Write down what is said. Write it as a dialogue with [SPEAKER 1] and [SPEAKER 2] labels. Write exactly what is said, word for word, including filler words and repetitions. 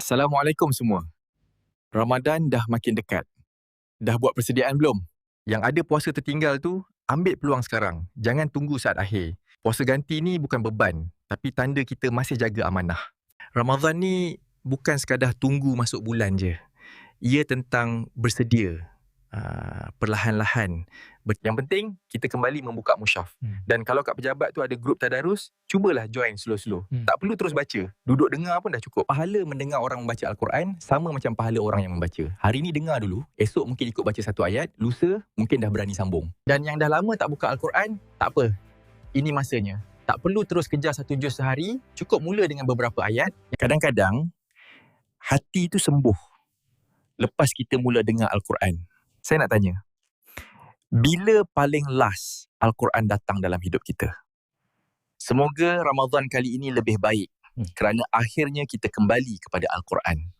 [SPEAKER 1] Assalamualaikum semua. Ramadan dah makin dekat. Dah buat persediaan belum? Yang ada puasa tertinggal tu, ambil peluang sekarang. Jangan tunggu saat akhir. Puasa ganti ni bukan beban, tapi tanda kita masih jaga amanah. Ramadan ni bukan sekadar tunggu masuk bulan je. Ia tentang bersedia. Uh, perlahan-lahan. Yang penting, kita kembali membuka musyaf. Hmm. Dan kalau kat pejabat tu ada grup tadarus, cubalah join slow-slow. Hmm. Tak perlu terus baca. Duduk dengar pun dah cukup. Pahala mendengar orang membaca Al-Quran sama macam pahala orang yang membaca. Hari ni dengar dulu, esok mungkin ikut baca satu ayat, lusa mungkin dah berani sambung. Dan yang dah lama tak buka Al-Quran, tak apa. Ini masanya. Tak perlu terus kejar satu juz sehari, cukup mula dengan beberapa ayat. Kadang-kadang, hati tu sembuh lepas kita mula dengar Al-Quran. Saya nak tanya, bila paling last Al-Quran datang dalam hidup kita? Semoga Ramadan kali ini lebih baik hmm. kerana akhirnya kita kembali kepada Al-Quran.